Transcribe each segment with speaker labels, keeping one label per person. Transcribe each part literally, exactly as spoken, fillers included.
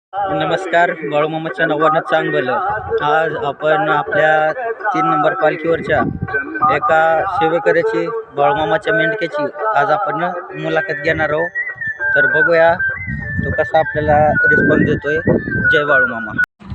Speaker 1: नमस्कार, बाळूमामाच्या नावानं चांग भलं. आज आपण आपल्या तीन नंबर पालखीवरच्या एका सेवेकऱ्याची, बाळूमामाच्या मेंढक्याची आज आपण मुलाखत घेणार आहोत. तर बघूया तो कसा आपल्याला रिस्पॉन्स देतोय. जय बाळूमामा.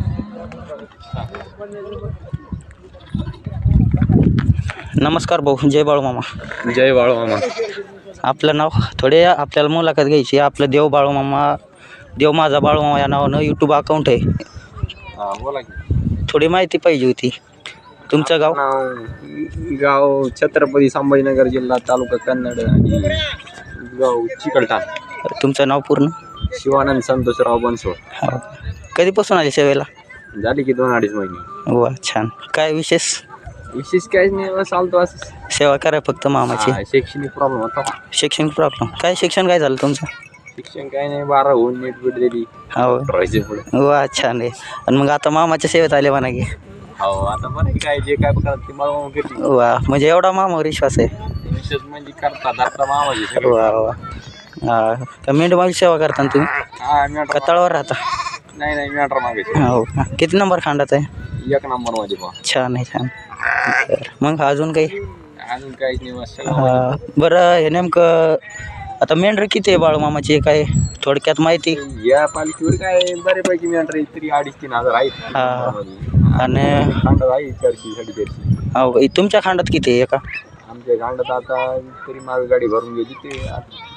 Speaker 1: नमस्कार भाऊ, जय बाळूमामा.
Speaker 2: जय बाळूमामा.
Speaker 1: आपलं नाव थोडे आपल्याला मुलाखत घ्यायची. आपलं देव बाळूमामा, देव माझा बाळूमामा या नावानं यूट्यूब अकाउंट आहे.
Speaker 2: हा बोला की.
Speaker 1: थोडी माहिती पाहिजे होती. तुमचं गाव?
Speaker 2: नाव गाव छत्रपती संभाजीनगर, जिल्हा तालुका कन्नड आणि गाव चिकलठाण.
Speaker 1: तुमचं नाव पूर्ण?
Speaker 2: शिवानंद संतोषराव बनसोड.
Speaker 1: हो. कधीपासून आले सेवेला?
Speaker 2: झाली की दोन अडीच महिने.
Speaker 1: वा, छान. काय विशेष?
Speaker 2: विशेष काहीच नाही, बस चालतो असं.
Speaker 1: सेवा करा फक्त मामाची.
Speaker 2: हा, शैक्षणिक प्रॉब्लेम होता.
Speaker 1: शैक्षणिक प्रॉब्लेम काय? शिक्षण काय झालं तुमचं?
Speaker 2: शिक्षण काही नाही, बारा होऊन नीट बीट दिली.
Speaker 1: हो.
Speaker 2: राहायचे पुढे.
Speaker 1: वा, छान आहे. आणि मग आता मामाच्या सेवेत आले म्हणा की.
Speaker 2: हो, आता बरं काय जे काय करतात ते बाळूमामा करते.
Speaker 1: वा, म्हणजे एवढा मामावर विश्वास आहे.
Speaker 2: विशेष म्हणजे करतात आता मामाची सगळं.
Speaker 1: वा वा. हा, का मेंढपाळी सेवा करता ना तुम्ही?
Speaker 2: हा, मॅटर
Speaker 1: कताळावर राहता?
Speaker 2: नाही नाही मॅटर मागायचे.
Speaker 1: हो. किती नंबर खांडात आहे?
Speaker 2: एक नंबर मध्ये पहा.
Speaker 1: छान आहे, छान. बरं. मग अजून काही?
Speaker 2: अजून काहीच नाही, बस सगळं.
Speaker 1: हा, बरं. हे नेमकं आता मेंढर किती आहे बाळूमामाची, काय थोडक्यात माहिती?
Speaker 2: या पालखीवर काय बऱ्यापैकी मेंढर तरी अडीच तीन हजार आहेत.
Speaker 1: हा. आणि
Speaker 2: खांडात आहे चारशे साडेचारशे.
Speaker 1: हो, तुमच्या खांडात किती आहे एका?
Speaker 2: आमच्या खांडात आता तरी मागे गाडी भरून गेली ते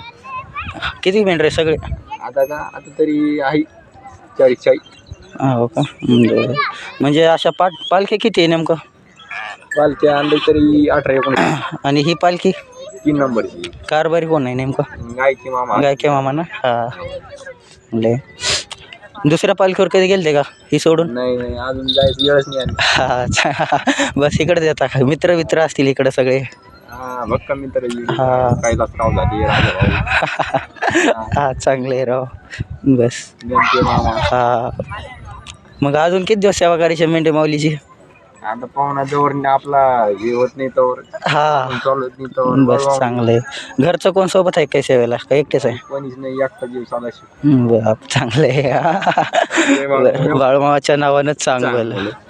Speaker 2: आता.
Speaker 1: किती मेंढर आहे सगळे?
Speaker 2: आता का आता तरी आहे चाळीस चाळीस.
Speaker 1: हो का? बरं. म्हणजे अशा पाठ पालख्या किती आहे नेमकं?
Speaker 2: पालख्या आणले तरी अठरा एकोणीस.
Speaker 1: आणि ही पालखी
Speaker 2: तीन नंबरची
Speaker 1: कारभारी कोण आहे नेमकं?
Speaker 2: गायकी मामा.
Speaker 1: गायके मामा ना? हा. म्हणजे दुसऱ्या पालखीवर कधी गेलते का ही सोडून?
Speaker 2: नाही नाही, अजून जायचं वेळच नाही आली.
Speaker 1: हा, अच्छा. बस इकडे देता का? मित्र मित्र असतील इकडे सगळे?
Speaker 2: हा, भक्का मित्र.
Speaker 1: हा.
Speaker 2: कैलासराव झाले, राजाभाऊ.
Speaker 1: हा, चांगले आहे राव. बस.
Speaker 2: नेमके मामा.
Speaker 1: हा. मग अजून किती दिवस सेवा करायची मेंढे माऊलीची?
Speaker 2: आता पाहुणा जवळ आपला हे होत नाही तोवर,
Speaker 1: हा,
Speaker 2: चालत नाही तोवर.
Speaker 1: बस चांगलं आहे. घरचं कोण सोबत आहे काय सेवेला, का एकटेच आहे?
Speaker 2: कोणीच नाही, एकटा जीव साधाशी.
Speaker 1: बाप, चांगलं आहे. बाळूमामाच्या नावानंच चांगलं.